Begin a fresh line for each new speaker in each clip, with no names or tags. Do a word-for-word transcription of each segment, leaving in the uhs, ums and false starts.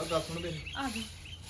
ਗੱਲ ਸੁਣ ਮੇਰੀ।
ਆ ਗਈ।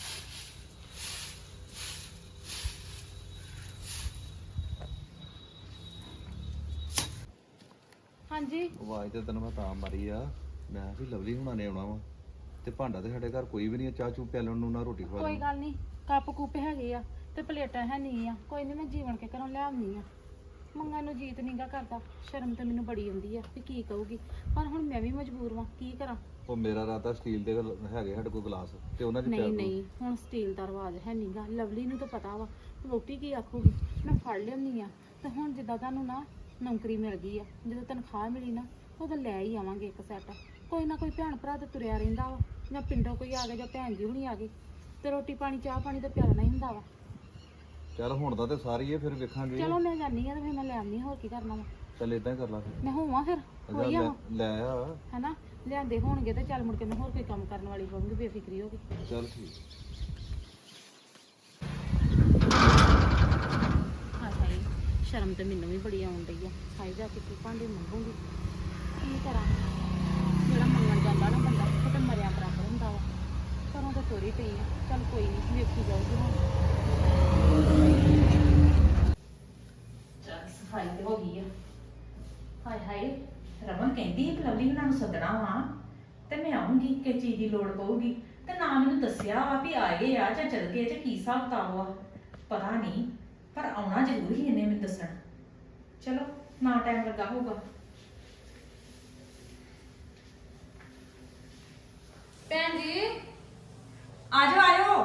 ਹਾਂਜੀ
ਆਵਾਜ਼ ਤੇ ਤੈਨੂੰ ਮੈਂ ਤਾਂ ਮਾਰੀ ਆ, ਮੈਂ ਕਿਹਾ ਵੀ ਲਵਲੀ ਹੁਣਾਂ ਨੇ ਆਉਣਾ ਵਾ ਤੇ ਭਾਂਡਾ ਤੇ ਸਾਡੇ ਘਰ ਕੋਈ ਵੀ ਨਹੀਂ, ਚਾਹ ਚੂ ਪਿਆਲਣ ਨੂੰ ਨਾ ਰੋਟੀ ਖਵਾ
ਕੋਈ
ਲੈਣ।
ਗੱਲ ਨਹੀਂ, ਕੱਪ ਕੁੱਪ ਹੈਗੇ ਆ ਤੇ ਪਲੇਟਾਂ ਹੈ ਨਹੀਂ ਆ, ਕੋਈ ਨਹੀਂ ਮੈਂ ਜੀਵਨ ਕੇ ਘਰੋਂ ਲੈ ਆਉਂਦੀ ਆ। ਮੰਗਾਂ ਨੂੰ ਜੀਤ ਨਹੀਂਗਾ ਕਰਦਾ, ਸ਼ਰਮ ਤੇ ਮੈਨੂੰ ਬੜੀ ਆਉਂਦੀ ਆ ਵੀ ਕੀ ਕਹੂਗੀ, ਪਰ ਹੁਣ ਮੈਂ ਵੀ ਮਜਬੂਰ ਵਾਂ, ਕੀ ਕਰਾਂ।
ਉਹ ਮੇਰਾ ਰਾਤਾ ਸਟੀਲ ਦੇ ਹੈਗੇ ਸਾਡੇ ਕੋਲ ਗਲਾਸ ਤੇ ਉਹਨਾਂ 'ਚ ਪਿਆ
ਨਹੀਂ
ਦਿਓ।
ਨਹੀਂ ਹੁਣ ਸਟੀਲ ਦਾ ਰਿਵਾਜ ਹੈ ਨਹੀਂਗਾ, ਲਵਲੀ ਨੂੰ ਤਾਂ ਪਤਾ ਵਾ ਰੋਟੀ ਕੀ ਆਖੂਗੀ, ਮੈਂ ਫੜ ਲਿਆਉਂਦੀ ਆ। ਤੇ ਹੁਣ ਜਿੱਦਾਂ ਤੁਹਾਨੂੰ ਨਾ ਨੌਕਰੀ ਮਿਲ ਗਈ ਆ, ਜਦੋਂ ਤਨਖਾਹ ਮਿਲੀ ਨਾ ਉਦੋਂ ਲੈ ਹੀ ਆਵਾਂਗੇ ਇੱਕ ਸੈੱਟ। ਕੋਈ ਨਾ ਕੋਈ ਭੈਣ ਭਰਾ ਤਾਂ ਤੁਰਿਆ ਰਹਿੰਦਾ ਵਾ, ਜਾਂ ਪਿੰਡੋਂ ਕੋਈ ਆ ਗਿਆ ਜਾਂ ਭੈਣ ਜੀ ਹੁਣੀ ਆ ਗਏ, ਤੇ ਰੋਟੀ ਪਾਣੀ ਚਾਹ ਪਾਣੀ ਤਾਂ ਪਿਆਲਣਾ ਹੀ ਹੁੰਦਾ ਵਾ।
ਚੱਲ ਹੁਣ ਦਾ ਤੇ ਸਾਰੀ ਹੈ, ਫਿਰ ਵੇਖਾਂਗੇ।
ਚਲੋ ਮੈਂ ਜਾਂਦੀ ਆ ਤੇ ਫਿਰ ਮੈਂ ਲੈ ਆਉਂਦੀ, ਹੋਰ ਕੀ ਕਰਨਾ ਵਾ।
ਚੱਲ ਇਦਾਂ ਹੀ ਕਰ ਲਾ ਫਿਰ।
ਮੈਂ ਹੋਵਾਂ ਫਿਰ ਹੋਈ
ਲੈ
ਆਵਾਂ
ਲੈ ਆ।
ਹੈਨਾ, ਲਿਆਂਦੇ ਹੋਣਗੇ ਤੇ ਚੱਲ ਮੁੜ ਕੇ ਮੈਂ ਹੋਰ ਕੋਈ ਕੰਮ ਕਰਨ ਵਾਲੀ ਹੋਵਾਂਗੀ, ਬੇਫਿਕਰੀ ਹੋ ਗਈ।
ਚੱਲ ਠੀਕ।
ਹਾਏ ਹਾਏ, ਸ਼ਰਮ ਤੇ ਮੈਨੂੰ ਵੀ ਬੜੀ ਆਉਣ ਡਈ ਆ, ਹਾਏ ਜਾ ਕੇ ਕੀ ਭਾਂਡੇ ਮੰਗੂਗੀ, ਕੀ ਕਰਾਂ। ਜਿਹੜਾ ਮੰਗਣ ਜਾਂਦਾ ਨਾ ਬੰਦਾ ਉਹ ਤਾਂ ਮਰਿਆ ਬਰਾਬਰ ਹੁੰਦਾ ਵਾ। ਘਰੋਂ ਤਾਂ ਤੋਰੀ ਪਈ ਆ, ਚੱਲ ਕੋਈ ਨਹੀਂ ਵੇਖੀ ਜਾਊਗੀ ਹੁਣ।
ਚੱਲ ਸਫਾਈ ਤੇ ਹੋ ਗਈ ਆ। ਹਾਏ ਹਾਏ, ਰਮਨ ਕਹਿੰਦੀ ਸੀ ਕਿ ਲਵਲੀ ਹੁਣਾਂ ਨੂੰ ਸੱਦਣਾ ਵਾ ਤੇ ਮੈਂ ਆਉਂਗੀ, ਕਿ ਚੀਜ਼ ਦੀ ਲੋੜ ਪਊਗੀ, ਤੇ ਨਾ ਮੈਨੂੰ ਦੱਸਿਆ ਵਾ ਵੀ ਆਏ ਆ ਜਾਂ ਚਲ ਗਏ ਜਾਂ ਕੀ ਹਿਸਾਬ ਕਿਤਾਬ ਵਾ, ਪਤਾ ਨਹੀਂ, ਪਰ ਆਉਣਾ ਜ਼ਰੂਰ ਹੀ ਇਹਨੇ ਮੈਨੂੰ ਦੱਸਣ। ਚਲੋ ਨਾ ਟਾਈਮ ਲੱਗਾ ਹੋਊਗਾ। ਭੈਣ ਜੀ ਆਜੋ ਆਜੋ,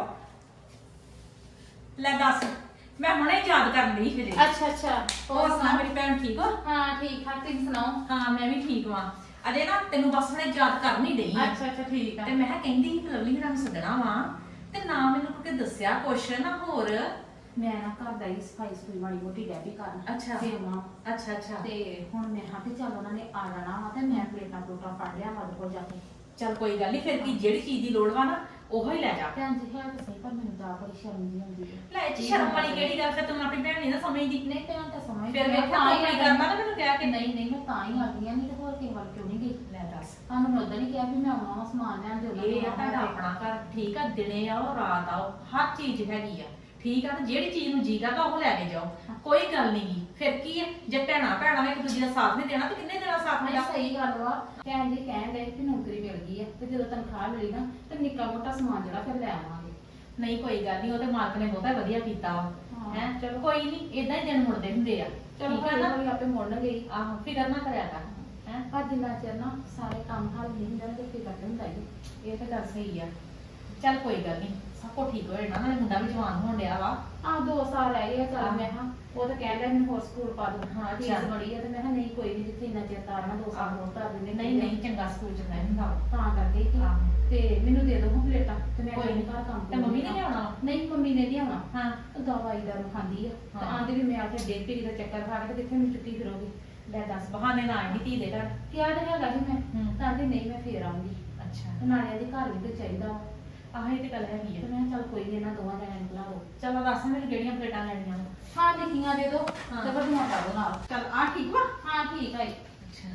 ਲੈ ਦੱਸ, ਮੈਂ ਹੁਣੇ ਯਾਦ ਕਰਨ ਲਈ ਫਿਰੇ।
ਅੱਛਾ ਅੱਛਾ,
ਹੋਰ ਸੁਣਾ ਮੇਰੀ ਭੈਣ ਠੀਕ ਹੋ?
ਹਾਂ ਠੀਕ ਠਾਕ, ਤੁਸੀਂ ਸੁਣਾਓ।
ਹਾਂ ਮੈਂ ਵੀ ਠੀਕ ਵਾਂ। ਅਜੇ ਨਾ ਤੈਨੂੰ ਬਸ ਹੁਣੇ ਯਾਦ ਕਰ ਨਹੀਂ ਡਈ ਆਂ।
ਅੱਛਾ ਅੱਛਾ ਠੀਕ ਆ।
ਤੇ ਮੈਂ ਕਿਹਾ ਕਹਿੰਦੀ ਸੀ ਕਿ ਲਵਲੀ ਹੁਣਾਂ ਨੂੰ ਸੱਦਣਾ ਵਾ ਤੇ ਨਾ ਮੈਨੂੰ ਕੋਈ ਦੱਸਿਆ ਕੁਛ ਨਾ ਹੋਰ।
ਮੈਂ ਨਾ ਘਰ ਦਾ ਹੀ ਸਫਾਈ ਸਫੂਈ ਮਾੜੀ ਮੋਟੀ ਰਹਿ ਵੀ ਕਰਨ
ਅੱਛਾ।
ਤੇ ਮਾਂ
ਅੱਛਾ ਅੱਛਾ,
ਤੇ ਹੁਣ ਮੈਂ ਹਾਂ ਤੇ ਚੱਲ ਉਹਨਾਂ ਨੇ ਆ ਜਾਣਾ ਵਾ ਤੇ ਮੈਂ ਪਲੇਟਾਂ ਪਲੂਟਾਂ ਫੜ ਲਿਆ ਮਦ ਕੋਲ ਜਾ ਕੇ।
ਚੱਲ ਕੋਈ ਗੱਲ ਨਹੀਂ, ਫਿਰ ਕੀ ਜਿਹੜੀ ਚੀਜ਼ ਦੀ ਲੋੜ ਵਾ ਨਾ ਉਹੋ ਹੀ ਲੈ ਜਾ।
ਭੈਣ ਜੀ ਹੈ ਤਾਂ ਸਹੀ, ਪਰ ਮੈਨੂੰ ਤਾਂ ਬੜੀ ਸ਼ਰਮ ਜਿਹੀ ਆਉਂਦੀ ਹੈ।
ਲੈ ਇਹ 'ਚ ਸ਼ਰਮ ਵਾਲੀ ਕਿਹੜੀ ਗੱਲ, ਫਿਰ ਤੂੰ ਆਪਣੀ ਭੈਣ ਨਹੀਂ ਨਾ ਸਮਝਦੀ।
ਨਹੀਂ ਭੈਣ ਤਾਂ ਸਮਝ
ਫਿਰ ਵੇਖਿਆ ਤੂੰ ਆਪਣੀ ਕਰਨਾ ਨਾ ਮੈਨੂੰ ਕਹਿ ਕੇ।
ਨਹੀਂ ਨਹੀਂ ਮੈਂ ਤਾਂ ਹੀ ਆ ਗਈ ਆ, ਨਹੀਂ ਤੇ ਹੋਰ ਕਿਸੇ ਵੱਲ ਕਿਉਂ ਨਹੀਂ ਗਈ।
ਲੈ ਦੱਸ,
ਤੁਹਾਨੂੰ ਮੈਂ ਉਦੋਂ ਨਹੀਂ ਕਿਹਾ ਵੀ ਮੈਂ ਆਉਣਾ ਵਾ ਸਮਾਨ ਲੈਣ ਦੇ।
ਇਹ ਆ ਤੁਹਾਡਾ ਆਪਣਾ ਘਰ, ਠੀਕ ਆ, ਦਿਨੇ ਆਓ ਰਾਤ ਆਓ ਹਰ ਚੀਜ਼ ਹੈਗੀ ਆ, ਠੀਕ ਆ। ਤੇ ਜਿਹੜੀ ਚੀਜ਼ ਨੂੰ ਜੀ ਕਰਦਾ ਉਹ ਲੈ ਕੇ ਜਾਓ, ਕੋਈ ਗੱਲ ਨਹੀਂ ਗੀ। ਫਿਰ ਕੀ ਹੈ, ਜੇ ਭੈਣਾ ਭੈਣਾ ਨੇ ਇੱਕ ਦੂਜੇ ਦਾ ਸਾਥ ਨਹੀਂ ਦੇਣਾ ਤੇ ਕਿੰਨੇ ਦੇਣਾ ਸਾਥ
ਨਹੀਂ
ਮੇਰਾ।
ਸਹੀ ਗੱਲ ਵਾ, ਭੈਣ ਜੀ ਕਹਿਣ ਦੇ ਕਿ ਨੌਕਰੀ ਮਿਲ ਗਈ ਆ ਤੇ ਜਦੋਂ ਤਨਖਾਹ ਮਿਲੀ ਨਾ ਤੇ ਨਿੱਕਾ ਮੋਟਾ ਸਮਾਨ ਜਿਹੜਾ ਫਿਰ ਲੈ ਆਵਾਂਗੇ।
ਨਹੀਂ ਕੋਈ ਗੱਲ ਨਹੀਂ, ਉਹਦੇ ਮਾਲਕ ਨੇ ਬਹੁਤਾ ਵਧੀਆ ਕੀਤਾ ਵਾ।
ਹਾਂ।
ਹੈ ਚਲੋ ਕੋਈ ਨਹੀਂ, ਇਦਾਂ ਹੀ ਦਿਨ ਮੁੜਦੇ ਹੁੰਦੇ ਆ।
ਚਲੋ
ਠੀਕ ਆ
ਹੌਲੀ
ਨਾ?
ਹੌਲੀ ਆਪੇ ਮੁੜਨਗੇ ਹੀ।
ਆਹੋ ਫਿਕਰ ਨਾ ਕਰਿਆ ਕਰ। ਹੈ
ਪਰ ਜਿੰਨਾ ਚਿਰ ਨਾ ਸਾਰੇ ਕੰਮ ਹੱਲ ਨਹੀਂ ਹੁੰਦੇ ਨਾ ਤੇ ਫਿਕਰ ਤੇ ਹੁੰਦਾ ਹੀ।
ਇਹ ਤਾਂ ਗੱਲ ਸਹੀ ਆ। ਚੱਲ ਕੋਈ ਗੱਲ ਨਹੀਂ, ਸਭ ਕੁਝ ਠੀਕ ਹੋ ਜਾਣਾ। ਨਾਲੇ ਮੁੰਡਾ ਵੀ ਜਵਾਨ ਹੋਣ ਡਿਆ ਵਾ।
ਆ ਦੋ ਸਾਲ ਰਹਿ ਗਏ ਆ, ਚੱਲ
ਹਾਂ।
ਮੈਂ ਹਾਂ ਉਹ ਤਾਂ ਕਹਿ ਲਿਆ ਮੈਨੂੰ ਹੋਰ ਸਕੂਲ ਪਾ ਦੋ।
ਹਾਂ,
ਫੀਸ
ਚੱਲ।
ਬੜੀ ਆ ਤੇ ਮੈਂ ਕਿਹਾ ਨਹੀਂ ਕੋਈ ਨਹੀਂ, ਜਿੱਥੇ ਇੰਨਾ ਚਿਰ ਤਾਰਨਾ ਦੋ ਸਾਲ ਹੋਰ ਕਰ ਦਿੰਦੇ।
ਨਹੀਂ ਨਹੀਂ, ਚੰਗਾ ਸਕੂਲ ਚ ਨਹੀਂ ਹੁੰਦਾ ਵਾ।
ਤਾਂ ਕਰਕੇ ਕਿ
ਆਹੋ।
ਤੇ ਮੈਨੂੰ ਦੇ ਦੋ ਹੁਣ ਪਲੇਟਾਂ ਤੇ ਮੈਂ
ਕੋਈ
ਕੋਈ
ਨੀ।
ਘਰ ਕੰਮ
ਤੇ ਮੰਮੀ ਨੇ ਲਿਆਉਣਾ ਵਾ?
ਨਹੀਂ ਮੰਮੀ ਨੇ ਨਹੀਂ ਆਉਣਾ।
ਹਾਂ
ਦਵਾਈ ਦਾਰੂ ਖਾਂਦੀ ਆ ਤੇ
ਹਾਂ।
ਆਂਦੀ ਵੀ ਮੈਂ ਆ ਕੇ ਡੇਢ ਪੀੜੀ ਦਾ ਚੱਕਰ ਖਾ ਕੇ ਤੇ ਕਿੱਥੇ ਨੂੰ ਚੁੱਕੀ ਫਿਰੋਗੀ।
ਲੈ ਦੱਸ, ਬਹਾਨੇ ਨਾ ਆਈ ਧੀ ਦੇ ਘਰ।
ਕਿਹਾ ਤਾਂ ਹੈਗਾ ਸੀ ਮੈਂ,
ਹੂੰ।
ਤਾਂ ਕਹਿੰਦੀ ਨਹੀਂ ਮੈਂ ਫੇਰ ਆਉਂਗੀ।
ਅੱਛਾ,
ਤੇ ਨਾਲੇ ਦੀ ਘਰ ਵੀ ਤੇ ਚਾਹੀਦਾ ਵਾ।
ਆਹ ਇਹ ਤੇ ਗੱਲ ਹੈਗੀ
ਤੇ
ਆ।
ਮੈਂ ਕਿਹਾ ਚੱਲ ਕੋਈ ਨੀ, ਇਹਨਾਂ ਦੋਵਾਂ ਜਣਿਆਂ ਨੂੰ ਬੁਲਾ ਲਓ।
ਚਲੋ ਦੱਸ ਮੈਨੂੰ ਕਿਹੜੀਆਂ ਪਲੇਟਾਂ ਲੈਣੀਆਂ ਵਾ?
ਹਾਂ ਲਿਖੀਆਂ ਦੇ ਦੋ
ਹਾਂ।
ਤੇ ਵੱਡੀਆਂ ਪਾ ਦੋ ਨਾਲ।
ਚੱਲ ਆ ਠੀਕ ਵਾ।
ਹਾਂ ਠੀਕ ਹੈ।
ਅੱਛਾ,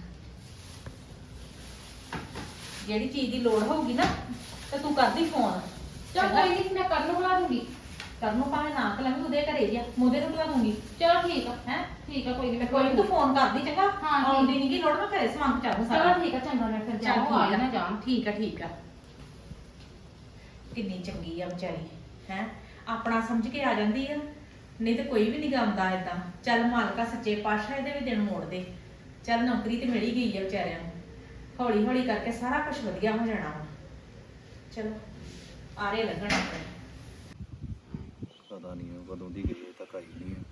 ਜਿਹੜੀ ਚੀਜ਼ ਦੀ ਲੋੜ ਹੋਊਗੀ ਨਾ ਤੇ ਤੂੰ ਕਰਦੀ ਫੋਨ।
ਚਲ ਕੋਈ ਨਹੀਂ, ਮੈਂ ਕੱਲ ਨੂੰ ਬੁਲਾ ਦੂੰਗੀ।
ਕਰਨ ਨੂੰ ਭਾਵੇਂ ਨਾ ਕਲਾਂਗੀ, ਉਹਦੇ ਘਰੇ ਜਾ ਮੋਦੇ ਨੂੰ ਬੁਲਾ ਦੂੰਗੀ।
ਚਲੋ ਠੀਕ ਆ।
ਹੈ
ਠੀਕ ਆ ਕੋਈ ਨਹੀਂ, ਮੈਂ
ਕੋਈ ਨੀ, ਤੂੰ ਫੋਨ ਕਰਦੀ ਚੰਗਾ।
ਹਾਂ, ਠੀਕ।
ਆਉਂਦੀ ਨਹੀਂ ਗੀ ਲੋੜ, ਮੈਂ ਘਰੇ ਸਮਾਨ ਪਹੁੰਚਾ ਦੂੰ ਸਾਰਾ।
ਚਲੋ ਠੀਕ ਆ, ਚੰਗਾ ਮੈਂ ਫਿਰ
ਚੱਲ
ਜਾਵਾਂ, ਆ
ਠੀਕ ਆ
ਨਾ ਜਾਣ।
ਠੀਕ ਆ ਠੀਕ ਆ। ਕਿੰਨੀ ਚੰਗੀ ਆ ਵਿਚਾਰੀ, ਹੈ ਆਪਣਾ ਸਮਝ ਕੇ ਆ ਜਾਂਦੀ ਆ, ਨਹੀਂ ਤੇ ਕੋਈ ਵੀ ਨਹੀਂ ਗਾਉਂਦਾ ਏਦਾਂ। ਚੱਲ ਮਾਲਕਾ ਸੱਚੇ ਪਾਤਸ਼ਾਹ ਇਹਦੇ ਵੀ ਦਿਨ ਮੋੜ ਦੇ। ਚੱਲ ਨੌਕਰੀ ਤੇ ਮਿਲ ਹੀ ਗਈ ਆ ਵਿਚਾਰਿਆਂ ਨੂੰ, ਹੌਲੀ ਹੌਲੀ ਕਰਕੇ ਸਾਰਾ ਕੁਝ ਵਧੀਆ ਹੋ ਜਾਣਾ ਵਾ। ਚਲੋ ਆਰੇ ਲੱਗਣ ਆਪਣੇ।
ਪਤਾ ਨਹੀਂ ਉਹ ਕਦੋਂ ਦੀ ਗਈ ਹੈ, ਤੱਕ ਆਈ ਨਹੀਂ ਹੈ।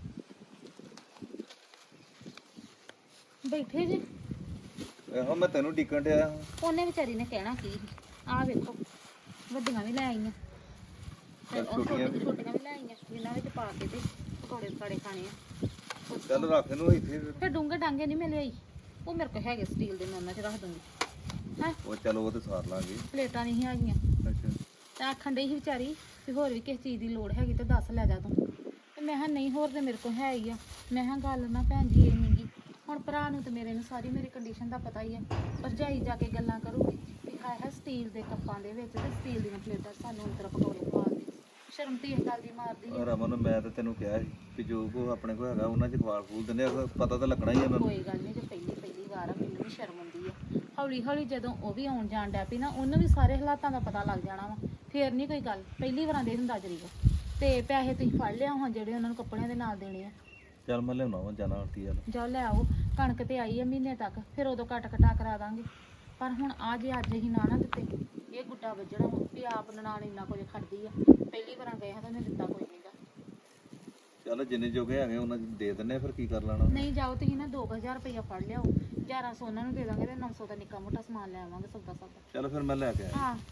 ਬੈਠੇ ਜੀ।
ਇਹੋ ਮੈਂ ਤੈਨੂੰ ਡਿੱਕਣ ਡਿਆ ਹਾਂ।
ਉਹਨੇ ਵਿਚਾਰੀ ਨੇ ਕਹਿਣਾ ਕੀ ਸੀ, ਆਹ ਵੇਖੋ ਵੱਡੀਆਂ ਵੀ ਲੈ ਆਈਆਂ ਤੇ
ਚੱਲ
ਉਹ
ਛੋਟੀਆਂ
ਛੋਟੀਆਂ ਛੋਟੀਆਂ ਵੀ ਲੈ ਆਈਆਂ, ਜਿਨ੍ਹਾਂ ਵਿੱਚ ਪਾ ਕੇ ਤੇ ਪਕੌੜੇ ਪਕਾੜੇ ਖਾਣੇ ਆ।
ਚੱਲ ਰੱਖ ਇਹਨੂੰ ਇੱਥੇ ਫਿਰ।
ਫਿਰ ਡੂੰਘੇ ਡਾਂਗੇ ਨਹੀਂ ਮੈਂ ਲਿਆਈ, ਉਹ ਮੇਰੇ ਕੋਲ ਹੈਗੇ ਸਟੀਲ ਦੇ, ਮੈਂ ਉਹਨਾਂ 'ਚ ਰੱਖ ਦੂੰਗੀ। ਹੈ
ਉਹ ਚੱਲ ਉਹ ਤੇ ਸਾਰ ਲਾਂਗੇ।
ਪਲੇਟਾਂ ਨਹੀਂ ਹੈਗੀਆਂ
ਅੱਛਾ,
ਤੇ ਆਖਣ ਡਈ ਸੀ ਵਿਚਾਰੀ ਵੀ ਹੋਰ ਵੀ ਕਿਸੇ ਚੀਜ਼ ਦੀ ਲੋੜ ਹੈਗੀ ਤੇ ਦੱਸ ਲੈ ਜਾ ਤੂੰ। ਤੇ ਮੈਂ ਕਿਹਾ ਨਹੀਂ ਹੋਰ ਤੇ ਮੇਰੇ ਕੋਲ ਹੈ ਹੀ ਆ। ਮੈਂ ਕਿਹਾ ਗੱਲ ਨਾ ਭੈਣ ਜੀ ਇਹ ਨੀ ਗੀ, ਹੁਣ ਭਰਾ ਨੂੰ ਤੇ ਮੇਰੇ ਨੂੰ ਸਾਰੀ ਮੇਰੀ ਕੰਡੀਸ਼ਨ ਦਾ ਪਤਾ ਹੀ ਹੈ। ਭਰਜਾਈ ਜਾ ਕੇ ਗੱਲਾਂ ਕਰੂਗੀ ਵੀ ਹਾਏ ਹਾਏ ਸਟੀਲ ਦੇ ਕੱਪਾਂ ਦੇ ਵਿੱਚ ਤੇ ਸਟੀਲ ਦੀਆਂ ਪਲੇਟਾਂ 'ਚ ਸਾਨੂੰ ਅੰਦਰ ਪਕੌੜੇ ਖਵਾਉਂਦੇ ਸ਼ਰਮ ਤੇ ਇਸ ਗੱਲ ਦੀ ਮਾਰਦੀ ਆ।
ਰਮਨ ਮੈਂ ਤਾਂ ਤੈਨੂੰ ਕਿਹਾ ਸੀ ਕਿ ਜੋ ਕੋ ਆਪਣੇ ਕੋਲ ਹੈਗਾ ਉਹਨਾਂ ਚ ਖਵਾਲ ਖੂਲ ਦਿੰਦੇ ਆ, ਪਤਾ ਤਾਂ ਲੱਗਣਾ ਹੀ ਆ ਮੈਨੂੰ।
ਕੋਈ ਗੱਲ ਨਹੀਂ, ਜੇ ਪਹਿਲੀ ਪਹਿਲੀ ਵਾਰ ਆ ਮੈਨੂੰ ਵੀ ਸ਼ਰਮ ਆਉਂਦੀ ਆ। ਹੌਲੀ ਹੌਲੀ ਜਦੋਂ ਉਹ ਵੀ ਆਉਣ ਜਾਣ ਡੈ ਪਈ ਨਾ ਉਹਨੂੰ ਵੀ ਸਾਰੇ ਹਾਲਾਤਾਂ ਦਾ ਪਤਾ ਲੱਗ ਜਾਣਾ ਵਾ, ਫੇਰ ਨਹੀਂ ਕੋਈ ਗੱਲ। ਪਹਿਲੀ ਵਾਰਾਂ ਦੇ ਹੁੰਦਾ ਜਰੀਗਾ ਤੇ ਪੈਸੇ ਤੁਸੀਂ ਫੜ ਲਿਆ ਹਾਂ ਜਿਹੜੇ ਉਹਨਾਂ ਨੂੰ ਕੱਪੜਿਆਂ ਦੇ ਨਾਲ ਦੇਣੇ ਆ।
ਚੱਲ ਮੈਂ ਲਿਆਉਣਾ ਵਾ ਜਾਣਾ ਆਂਟੀ ਵਾਲ।
ਜਾਓ ਲੈ ਆਓ, ਕਣਕ ਤੇ ਆਈ ਆ ਮਹੀਨੇ ਤੱਕ, ਫਿਰ ਉਦੋਂ ਕੱਟ ਕਟਾ ਕਰਾ ਦਾਂਗੇ। ਪਰ ਹੁਣ ਆ ਜੇ ਅੱਜ ਹੀ ਨਾ ਨਾ ਦਿੱਤੇ ਇਹ ਗੁੱਡਾ ਵੱਜਣਾ ਵਾ ਵੀ ਆਪ ਨਨਾਣ ਇੰਨਾ ਕੁਝ ਖੜਦੀ ਆ। ਪਹਿਲੀ ਵਾਰਾਂ ਗਏ ਹਾਂ ਤਾਂ ਉਹਨੇ ਦਿੱਤਾ ਕੋਈ ਨਹੀਂਗਾ।
ਚੱਲ ਜਿੰਨੇ ਜੋਗੇ ਹੈਗੇ ਉਹਨਾਂ ਚ ਦੇ ਦਿੰਨੇ ਆ, ਫਿਰ ਕੀ ਕਰ ਲੈਣਾ।
ਨਹੀਂ ਜਾਓ ਤੁਸੀਂ ਨਾ ਦੋ ਕੁ ਹਜ਼ਾਰ ਰੁਪਇਆ ਫੜ ਲਿਆਓ, ਗਿਆਰਾਂ ਸੌ ਉਹਨਾਂ ਨੂੰ ਦੇ ਦਾਂਗੇ ਤੇ ਨੌ ਸੌ ਦਾ ਨਿੱਕਾ ਮੋਟਾ ਸਮਾਨ ਲੈ ਆਵਾਂਗੇ ਸੌਦਾ ਸੌਦਾ।
ਚੱਲ ਫਿਰ ਮੈਂ ਲੈ ਕੇ ਆਇਆ।
ਹਾਂ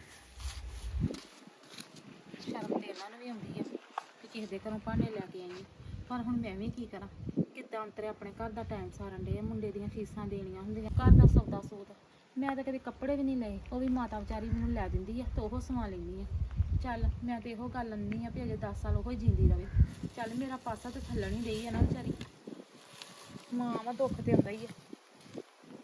ਸ਼ਰਮ ਤੇ ਇਹਨਾਂ ਨੂੰ ਵੀ ਆਉਂਦੀ ਆ ਕਿ ਕਿਸੇ ਦੇ ਘਰੋਂ ਭਾਂਡੇ ਲੈ ਕੇ ਆਈ, ਪਰ ਹੁਣ ਮੈਂ ਵੀ ਕੀ ਕਰਾਂ। ਕਿੱਦਾਂ ਅੰਤਰੇ ਆਪਣੇ ਘਰ ਦਾ ਟਾਈਮ ਸਾਰਨ ਡੇ, ਮੁੰਡੇ ਦੀਆਂ ਫੀਸਾਂ ਦੇਣੀਆਂ ਹੁੰਦੀਆਂ, ਘਰ ਦਾ ਸੌਦਾ ਸੂਤ। ਮੈਂ ਤਾਂ ਕਦੇ ਕੱਪੜੇ ਵੀ ਨਹੀਂ ਲਏ, ਉਹ ਵੀ ਮਾਤਾ ਵਿਚਾਰੀ ਮੈਨੂੰ ਲੈ ਦਿੰਦੀ ਆ ਤੇ ਉਹ ਸਵਾ ਲੈਂਦੀ ਆ। ਚੱਲ ਮੈਂ ਤੇ ਇਹੋ ਗੱਲ ਅੰਨੀ ਆ ਵੀ ਅਜੇ ਦਸ ਸਾਲ ਉਹ ਹੀ ਜਿੰਦੀ ਰਵੇ। ਚੱਲ ਮੇਰਾ ਪਾਸਾ ਤੇ ਥੱਲਣ ਹੀ ਡਈ ਆ ਨਾ ਵਿਚਾਰੀ, ਮਾਂ ਵਾ ਦੁੱਖ ਤੇ ਆਉਂਦਾ ਹੀ ਆ।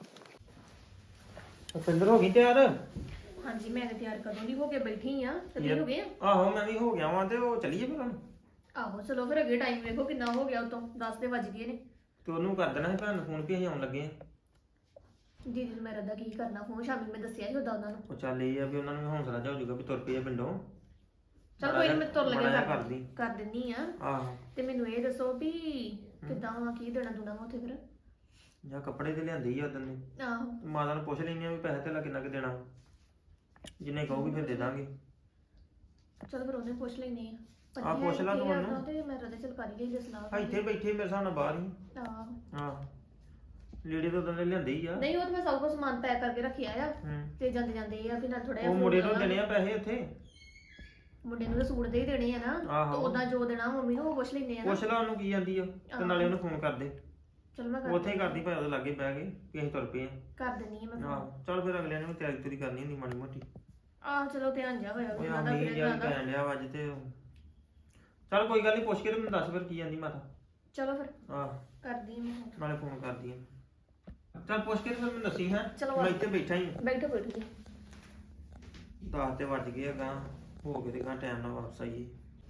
ਰੁਪਿੰਦਰ ਹੋ ਗਈ ਤਿਆਰ?
ਹਾਂਜੀ ਮੈਂ ਤੇ ਤਿਆਰ ਕਦੋਂ ਦੀ ਹੋ ਕੇ ਬੈਠੀ ਆ ਤੇ ਤੁਸੀਂ ਹੋ ਗਏ ਆ?
ਆਹੋ ਮੈਂ ਵੀ ਹੋ ਗਿਆ ਵਾਂ ਤੇ ਉਹ ਚੱਲੀਏ ਫਿਰ ਹੁਣ।
ਆਹੋ ਚਲੋ ਫਿਰ ਅੱਗੇ ਟਾਈਮ ਵੇਖੋ ਕਿੰਨਾ ਹੋ ਗਿਆ ਉਤੋਂ ਦਸ ਦੇ ਵੱਜ ਗਏ ਨੇ।
ਤੇ ਉਹਨੂੰ ਕਰ ਦੇਣਾ ਸੀ ਭੈਣ ਨੂੰ ਫੋਨ ਵੀ ਅਸੀਂ ਆਉਣ ਲੱਗੇ ਆ।
ਦੀਦੀ ਨੂੰ ਮੇਰਾ ਦਾ ਕੀ ਕਰਨਾ ਫੋਨ, ਸ਼ਾਮੀ ਮੈਂ ਦੱਸਿਆ ਸੀ ਉਦਾਂ ਉਹਨਾਂ ਨੂੰ।
ਉਹ ਚੱਲ ਇਹ ਆ ਵੀ ਉਹਨਾਂ ਨੂੰ ਵੀ ਹੌਸਲਾ ਜਾ ਹੋ ਜਾਊਗਾ ਵੀ ਤੁਰ ਪਈ ਆ ਪਿੰਡੋਂ।
ਚਲ ਕੋਈ ਨੀ ਮੈਂ ਤੁਰ
ਮਾੜਾ ਜਿਹਾ
ਲੱਗਿਆ
ਕਰਦੀ।
ਕਰ ਦਿੰਨੀ ਆ।
ਆਹੋ
ਤੇ ਮੈਨੂੰ ਇਹ ਦੱਸੋ ਵੀ ਕਿੱਦਾਂ ਵਾ, ਕੀ ਦੇਣਾ ਦੂਣਾ ਵਾ ਉੱਥੇ ਫਿਰ?
ਜਾਂ ਕੱਪੜੇ ਤੇ ਲਿਆਂਦੇ ਹੀ ਆ ਉਦੋਂ ਦੇ।
ਆਹੋ
ਮਾਤਾ ਨੂੰ ਪੁੱਛ ਲੈਣੀ ਆ ਵੀ ਪੈਸੇ ਤੇ ਕਿੰਨਾ ਕੁ ਦੇਣਾ, ਜਿੰਨੇ ਕਹੂਗੀ ਫਿਰ ਦੇ ਦਾਂਗੇ।
ਚਲ ਫਿਰ ਉਹਨੇ ਪੁੱਛ ਲੈਨੇ ਆ।
ਆਹ, ਪੁੱਛ ਲਾ ਤੂੰ ਉਹਨੂੰ।
ਤੇ ਮੈਂ ਰਦੇ ਚਲ ਕਰ ਹੀ ਲਈ ਸਲਾਹ।
ਆ ਇੱਥੇ ਬੈਠੇ ਮੇਰੇ ਹਿਸਾਬ ਨਾਲ ਬਾਹਰ ਹੀ।
ਆਹੋ
ਆਹ ਲੀੜੇ ਤਾਂ ਉਦੋਂ ਦੇ ਲਿਆਂਦੇ ਹੀ ਆ।
ਨਹੀਂ ਉਹ ਤਾਂ ਮੈਂ ਸਭ ਕੁਝ ਸਮਾਨ ਪੈਕ ਕਰਕੇ ਰੱਖਿਆ ਆ
ਹੂੰ
ਤੇ ਜਾਂਦੇ ਜਾਂਦੇ ਇਹ ਆ ਵੀ ਨਾਲ ਥੋੜਾ
ਉਹ ਮੁੰਡੇ ਨੂੰ ਦੇਣੇ ਆ ਪੈਸੇ ਉੱਥੇ।
ਮੁੰਡੇ ਨੂੰ ਤਾਂ ਸੂਟ ਦੇ ਹੀ ਦੇਣੇ ਆ ਨਾ,
ਆਹੋ।
ਤੇ ਉਦਾਂ ਜੋ ਦੇਣਾ ਮੰਮੀ ਨੂੰ ਉਹ ਪੁੱਛ ਲੈਨੇ ਆ ਨਾ।
ਪੁੱਛ ਲਾ ਉਹਨੂੰ ਕੀ ਜਾਂਦੀ ਆ ਤੇ ਨਾਲੇ ਉਹਨੂੰ ਫੋਨ ਕਰ ਦੇ।
ਚਲ ਮੈਂ ਕਰ
ਉੱਥੇ ਹੀ ਕਰਦੀ ਭਾਵੇਂ ਉਹਦੇ ਲਾਗੇ ਬਹਿ ਕੇ ਕਿ ਅਸੀਂ ਤੁਰ ਪਏ ਆ।
ਕਰ ਦਿੰਨੀ ਆ ਮੈਂ phone।
ਆਹੋ ਚੱਲ ਫਿਰ ਅਗਲਿਆਂ ਨੇ ਵੀ ਤਿਆਰੀ ਤੁਰੀ ਕਰਨੀ ਹੁੰਦੀ ਮਾੜੀ ਮੋਟੀ।
ਆਹ ਚਲੋ ਧਿਆਨ ਜਾ ਹੋਇਆ
ਉਹ
ਵੀ
ਆ
ਉਹਨਾਂ ਦਾ
ਮੀਂਹ
ਫਿਰ
ਜਿਹਾ
ਜਾਂਦਾ।
ਪੈਣ ਡਿਆ ਵਾ ਅੱਜ ਤੇ। ਚੱਲ ਕੋਈ ਗੱਲ ਨਹੀਂ, ਪੁੱਛ ਕੇ ਤੇ ਮੈਨੂੰ ਦੱਸ ਫਿਰ ਕੀ ਜਾਂਦੀ ਮਾਤਾ।
ਚਲੋ ਫਿਰ
ਆਹ
ਕਰਦੀ ਆ ਮੈਂ phone।
ਨਾਲੇ ਫੋਨ ਕਰਦੀ ਆ। ਚੱਲ ਪੁੱਛ ਕੇ ਤੇ ਫਿਰ ਮੈਨੂੰ ਦੱਸੀ ਹੈ।
ਚਲੋ
ਮੈਂ
ਆ।
ਇੱਥੇ ਬੈਠਾ ਹੀ
ਬੈਠੋ ਬੈਠੋ ਜੀ।
ਦਸ ਤੇ ਵੱਜ ਗਏ ਆ ਗਾਂ, ਹੋ ਕੇ ਤੇ ਗਾਂ ਟਾਈਮ ਨਾਲ ਵਾਪਸ ਆਈਏ।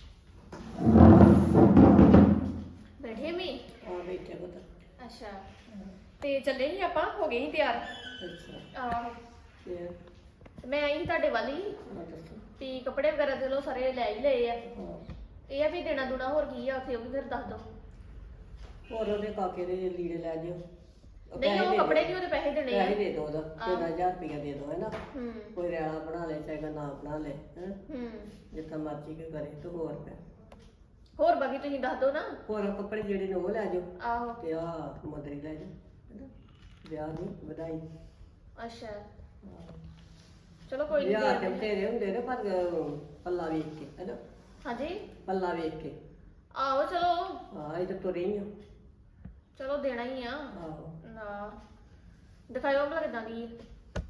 ਬੈਠੇ ਮੀ
ਆ ਬੈਠੇ ਪੁੱਤ।
ਅੱਛਾ ਤੇ ਚੱਲੇ ਸੀ ਆਪਾਂ, ਹੋ ਗਏ ਸੀ ਤਿਆਰ।
ਅੱਛਾ
ਆਹੋ
ਫਿਰ
ਮੈਂ ਆਈ ਸੀ ਤੁਹਾਡੇ ਵੱਲ ਹੀ
ਆ ਦੱਸੋ।
ਵੀ ਕੱਪੜੇ ਵਗੈਰਾ ਦੇ ਲੋ ਸਾਰੇ ਲੈ ਹੀ ਲਏ ਆ।
ਹਾਂ
ਇਹ ਆ ਵੀ ਦੇਣਾ ਦੂਣਾ ਹੋਰ ਕੀ ਆ ਉੱਥੇ, ਉਹ ਵੀ ਫਿਰ ਦੱਸ ਦੋ।
ਹੋਰ ਉਹਦੇ ਕਾਕੇ ਦੇ ਲੀੜੇ ਲੈ ਜਿਓ।
ਨਹੀਂ ਉਹ ਕੱਪੜੇ ਨਹੀਂ, ਉਹਦੇ ਪੈਸੇ ਦੇਣੇ ਆ।
ਪੈਸੇ ਦੇ ਦੋ ਉਹਦਾ ਤਿੰਨ ਹਜ਼ਾਰ ਰੁਪਇਆ ਦੇ ਦੋ ਹੈ ਨਾ।
ਹੂੰ
ਕੋਈ ਰਿਆਲਾ ਬਣਾ ਲੈ ਚਾਹੇ ਨਾ ਬਣਾ ਲੈ ਹੈ,
ਹੂੰ
ਜਿੱਦਾਂ ਮਰਜ਼ੀ ਕੋਈ ਕਰੇ ਤੇ ਹੋਰ ਪੈ
ਹੋਰ ਬਾਕੀ ਤੁਸੀਂ ਦੱਸ ਦੋ ਨਾ।
ਹੋਰ ਕੱਪੜੇ ਜਿਹੜੇ ਨੇ ਉਹ ਲੈ ਜਾਓ
ਆਹੋ
ਤੇ ਆ ਮੁੰਦਰੀ ਲੈ ਜਾਓ ਹੈਨਾ, ਵਿਆਹ ਦੀ ਵਧਾਈ।
ਅੱਛਾ ਚਲੋ ਕੋਈ
ਵਿਆਹ ਤੇ
ਨਹੀਂ।
ਬਥੇਰੇ ਹੁੰਦੇ ਨੇ ਪਰ ਪੱਲਾ ਵੇਖ ਕੇ ਹੈਨਾ,
ਹਾਂਜੀ
ਪੱਲਾ ਵੇਖ ਕੇ।
ਆਹੋ ਚਲੋ
ਹਾਂ ਇਹ ਤਾਂ ਤੁਰੇ ਹੀ ਆ।
ਚਲੋ ਦੇਣਾ ਹੀ ਆ
ਆਹੋ
ਨਾ। ਦਿਖਾਇਓ ਭਲਾ ਕਿੱਦਾਂ ਦੀ ਹੈ।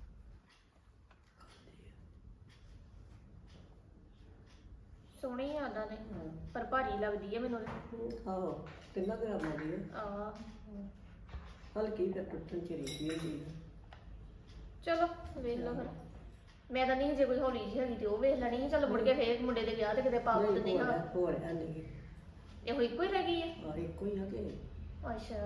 ਸੋਹਣੀ ਆ ਉਹਨਾਂ ਨੇ ਪਰ ਭਾਰੀ ਲੱਗਦੀ ਹੈ ਮੈਨੂੰ।
ਆਹੋ ਕਿੰਨਾ ਗ੍ਰਾਮਾਂ ਦੀ ਹੈ?
ਆ
ਹਲਕੀ ਤੇ ਟੁੱਟਣ ਚ ਰਹੀ ਹੁੰਦੀ ਹੈ।
ਚਲੋ ਵੇਖ ਲਓ ਫਿਰ। ਮੈਂ ਤਾਂ ਨਹੀਂ ਜੇ ਕੋਈ ਹੌਲੀ ਜਿਹੀ ਹੈਗੀ ਤੇ ਉਹ ਵੇਖ ਲੈਣੀ ਸੀ। ਚਲੋ ਮੁੜ ਕੇ ਫੇਰ ਮੁੰਡੇ ਦੇ ਵਿਆਹ ਤੇ ਕਿਤੇ ਪਾ
ਨਹੀਂ,
ਦਿੰਦੇ
ਹੋਰ
ਹਾਂ।
ਹੈ, ਹੋਰ ਹੈ ਨਹੀਂ।
ਇਹੋ ਇੱਕੋ ਹੀ ਰਹਿ ਗਈ ਹੈ।
ਆ ਇੱਕੋ ਹੀ ਆ ਕਿ
ਅੱਛਾ